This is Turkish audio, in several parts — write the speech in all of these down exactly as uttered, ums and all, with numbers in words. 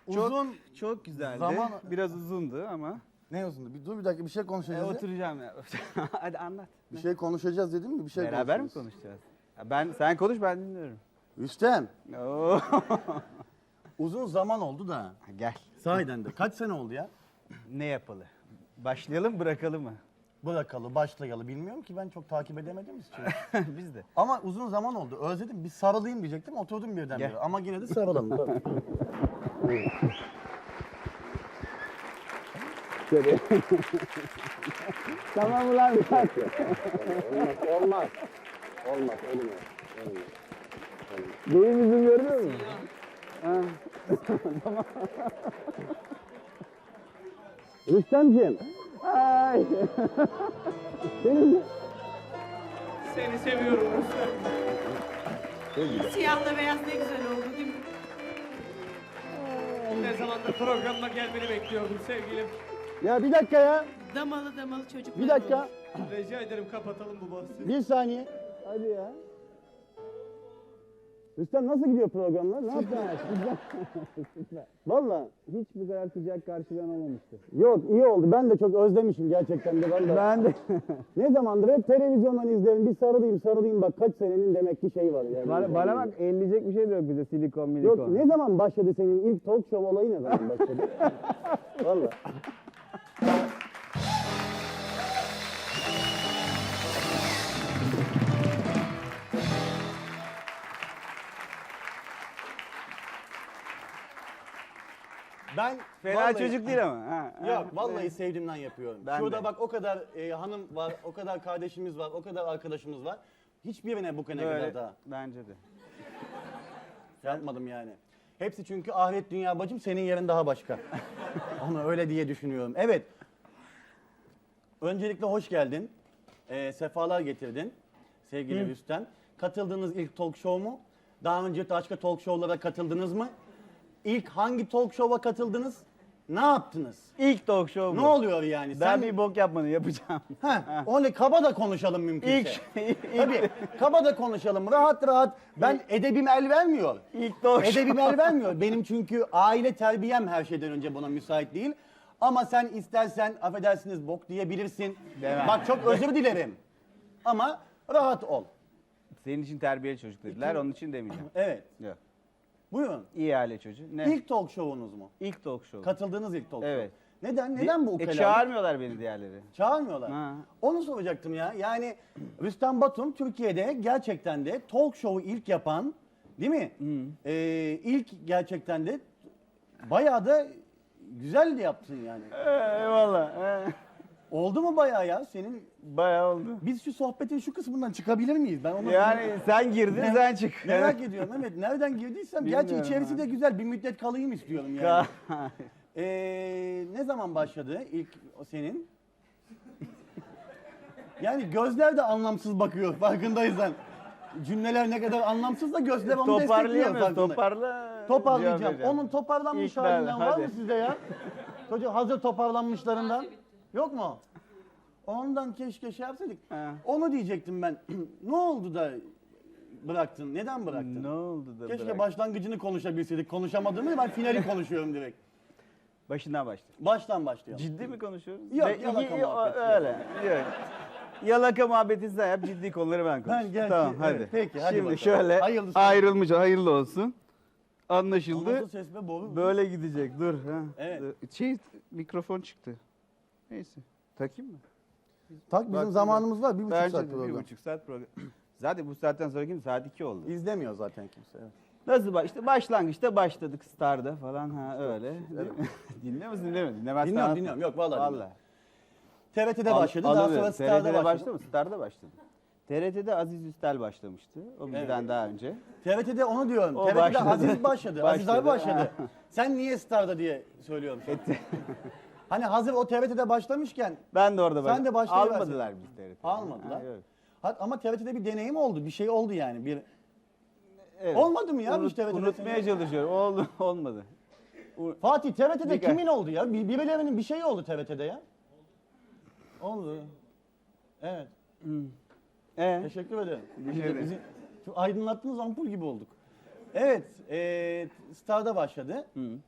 Uzun çok, çok güzeldi. zaman- Biraz uzundu ama. ne uzundu? Bir dur bir dakika bir şey E, konuşacağız. ya. oturacağım ya. Hadi anlat. Bir şey konuşacağız dedim mi? Bir şey Beraber mi konuşacağız. konuşacağız? Ya ben sen konuş ben dinliyorum. Rüstem, Oo. uzun zaman oldu da. Gel. Sahiden de. Kaç sene oldu ya? Ne yapalı? Başlayalım bırakalım mı? Bırakalı, başlayalı bilmiyorum ki ben çok takip edemedim için. Biz de. Ama uzun zaman oldu. Özledim. Bir sarılayım diyecektim. Oturdum birden Gel. bire. Ama yine de sarılalım. Tabii. Tamam ulan bir dakika. Olmaz. Olmaz. Olmaz. Olmaz. Benim yüzüm görünüyor mu? Ha. Rüstemciğim. Ay. Senin Seni seviyorum Rüstem. Siyahla beyaz ne güzel oldu değil mi? Ne zamandır programına gelmeni bekliyordum sevgilim. ya bir dakika ya. Damalı damalı çocuklar Bir dakika. olur. Rica ederim kapatalım bu bahsi. Bir saniye. Hadi ya. Rüstem nasıl gidiyor programlar? Ne yaptın aşkım? Valla hiç bu kadar sıcak karşılayan olmamıştı. Yok iyi oldu. Ben de çok özlemişim gerçekten de. Ben de. Ben de. Ne zamandır hep televizyondan izlerim. Bir sarılayım sarılayım bak kaç senenin demek ki şey var yani. Bana, bana bak elleyecek bir şey de yok bize silikon milikon. Yok ne zaman başladı senin ilk talk show olayı ne zaman başladı? Valla. Ben Fena vallahi- çocuk değil ama. Ha, ha. Yok vallahi sevdiğimden yapıyorum. Ben Şurada de. bak o kadar e, hanım var, o kadar kardeşimiz var, o kadar arkadaşımız var. Hiçbirine bu kadar Böyle, daha bence de. yapmadım yani. Hepsi çünkü ahiret dünya bacım senin yerin daha başka. Onu öyle diye düşünüyorum. Evet. Öncelikle hoş geldin. Ee, sefalar getirdin sevgili Rüstem. Katıldığınız ilk talk show mu? Daha önce başka talk show'lara katıldınız mı? İlk hangi talk show'a katıldınız? Ne yaptınız? İlk talk show bu. Ne oluyor yani? Ben Sen bir bok yapmadım yapacağım. Heh, onu kaba da konuşalım mümkünse. İlk, ilk, Tabii kaba da konuşalım rahat rahat. Ben edebim el vermiyor. ilk talk show. Edebim el vermiyor. Benim çünkü aile terbiyem her şeyden önce buna müsait değil. Ama sen istersen affedersiniz bok diyebilirsin. Demem. Bak çok özür dilerim. Ama rahat ol. Senin için terbiyeli çocuk dediler onun için demeyeceğim. Evet. Yok. Buyurun. İyi aile çocuğu. Ne? İlk talk show'unuz mu? İlk talk show. Katıldığınız ilk talk show. Evet. Neden? Neden bu E, ukalalık? çağırmıyorlar beni diğerleri. Çağırmıyorlar. Ha. Onu soracaktım ya. Yani Rüstem Batum Türkiye'de gerçekten de talk show'u ilk yapan, değil mi? Ee, ilk gerçekten de bayağı da güzel de yaptın yani. Eyvallah. Ee, Oldu mu bayağı ya senin? Bayağı oldu. Biz şu sohbetin şu kısmından çıkabilir miyiz? Ben onu Yani sen girdin sen çık. merak ediyorum. Evet nereden girdiysem. Gerçi Bilmiyorum içerisi ha. de güzel. Bir müddet kalayım istiyorum yani. Ee, ne zaman başladı ilk o senin? Yani gözler de anlamsız bakıyor farkındaysan. Cümleler ne kadar anlamsız da gözler onu destekliyor Toparlayamıyoruz. farkında. Toparla. Toparlayacağım. cevap vereceğim. Onun toparlanmış İlk ben, halinden var mı hadi. sizde ya? Çocuk hazır toparlanmışlarından. Yok mu? Ondan keşke şey yapsaydık. Ha. Onu diyecektim ben. Ne oldu da bıraktın? Neden bıraktın? Ne oldu da Keşke bırak- başlangıcını konuşabilseydik. Konuşamadığımı ben finali konuşuyorum direkt. Başından başla. Baştan başlayalım. Ciddi mi konuşuyoruz? Yok, Ve- yalaka y- muhabbeti. Öyle. Yok. Yalaka muhabbeti sen yap, ciddi konuları ben konuşayım. Ben gerçi- Tamam evet, hadi. peki, hadi Şimdi bakalım. şöyle Hayırlısı. ayrılmış, hayırlı olsun. Anlaşıldı. Nasıl ses be boru? Böyle gidecek. Dur. Ha. Evet. Dur. Şey mikrofon çıktı. Neyse. Takayım mı? Tak bizim Bak, zamanımız var. Bir buçuk Bence saat de program. bir buçuk saat program. Zaten bu saatten sonra kim? Saat iki oldu. İzlemiyor zaten kimse. Evet. Nasıl baş? İşte başlangıçta başladık Star'da falan ha öyle. Dinliyor musun dinlemiyor musun? Dinlemezsen Dinliyorum anlat- dinliyorum. Yok vallahi, dinliyorum. Vallahi. T R T'de Al- başladı. Daha alamıyorum. sonra Star'da T R T'de başladı. başladı mı? Star'da başladı. T R T'de Aziz Üstel başlamıştı. O bizden Evet. daha önce. T R T'de onu diyorum. O T R T'de başladı. Aziz başladı. Aziz abi Başladı. başladı. Sen niye Star'da diye söylüyorum. Hani hazır o T R T'de başlamışken Ben de orada Sen başladım. de başlayıversin. Almadılar biz T R T'de. almadılar. Ha, yok. Ha- Ama T R T'de bir deneyim oldu. Bir şey oldu yani. Bir Evet. Olmadı mı ya Unut- hiç T R T'de? Unutmaya çalışıyorum. Oldu, olmadı. Fatih T R T'de Birkaç- kimin oldu ya? Bir, birilerinin bir şeyi oldu T R T'de ya. Oldu. Evet. Ee? Teşekkür ederim. Bir şey değil. Bizi şu aydınlattığınız ampul gibi olduk. Evet, e, Star'da başladı.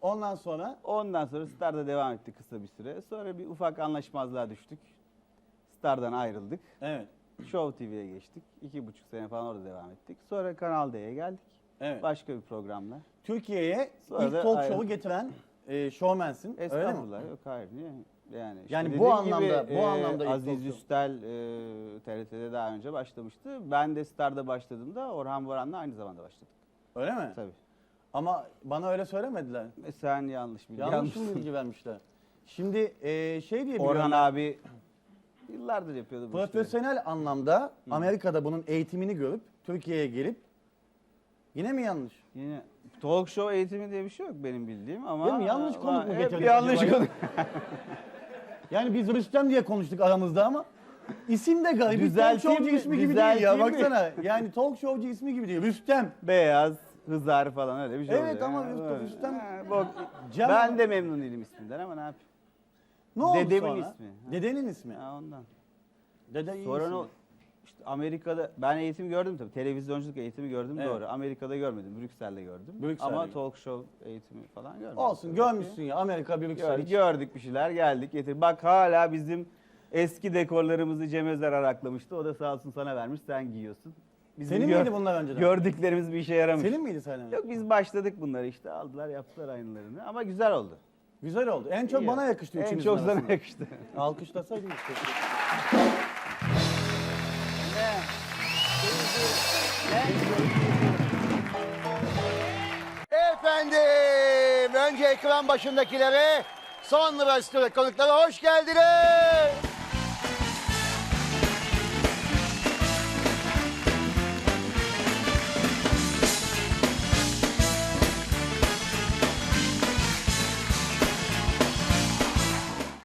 Ondan sonra Ondan sonra Star'da devam etti kısa bir süre. Sonra bir ufak anlaşmazlığa düştük. Star'dan ayrıldık. evet. Show T V'ye geçtik. İki buçuk sene falan orada devam ettik. Sonra Kanal D'ye geldik. Evet. Başka bir programla. Türkiye'ye Sonra ilk da talk ayrı- show'u getiren e, showmansin. Öyle mi? Estağfurullah. Yok hayır. Niye? Yani, işte Yani bu dediğim anlamda- gibi, bu e, anlamda ilk Aziz talk show. Üstel e, T R T'de daha önce başlamıştı. Ben de Star'da başladığımda Orhan Boran'la aynı zamanda başladık. Öyle mi? Tabii. Ama bana öyle söylemediler. E, sen yanlış bilgi Yanlış almışsın. mı bilgi vermişler? Şimdi e, şey diye biliyorum Orhan ben, abi yıllardır yapıyordu bu işleri. profesyonel anlamda Amerika'da bunun eğitimini görüp Türkiye'ye gelip yine mi yanlış? Yine talk show eğitimi diye bir şey yok benim bildiğim ama... Değil mi? Yanlış ama konuk mu hep getirdik yanlış acaba ya? konuk. Yani biz Rüstem diye konuştuk aramızda ama isim de garip. Bir talk Düzelteyim showcu mi? ismi gibi değil ya Düzelteyim mi? baksana. Yani talk showcu ismi gibi değil. Rüstem. Beyaz, hızar falan öyle bir şey Evet oluyor. ama Ha, Rüstem- böyle. Rüstem- Ha, bak, Cem- ben de memnun değilim isminden ama ne yapayım? Ne oldu Dedemin sonra? ismi. Ha. Dedenin ismi. Ha, ondan. Dede iyi Sonra isim. ne oldu? İşte Amerika'da ben eğitim gördüm tabii. Televizyonculuk eğitimi gördüm Evet. doğru. Amerika'da görmedim. Brüksel'de gördüm. Brüksel'de ama gördüm. talk show eğitimi falan görmedim. Olsun Tabii görmüşsün ki. ya Amerika Brüksel. Gördük, gördük bir şeyler geldik getir. Bak hala bizim eski dekorlarımızı Cem Özer araklamıştı. O da sağ olsun sana vermiş sen giyiyorsun. Bizim Senin gör- miydi bunlar önceden? Gördüklerimiz bir işe yaramış. Senin miydi Sayın Yok biz başladık bunları işte aldılar yaptılar aynılarını ama güzel oldu. Güzel oldu. En çok İyi. bana yakıştı En üçünüzün çok sana arasında. yakıştı. Alkışlasaydın işte. Efendim, önce ekran başındakilere, sonra stüdyo konuklara hoş geldiniz.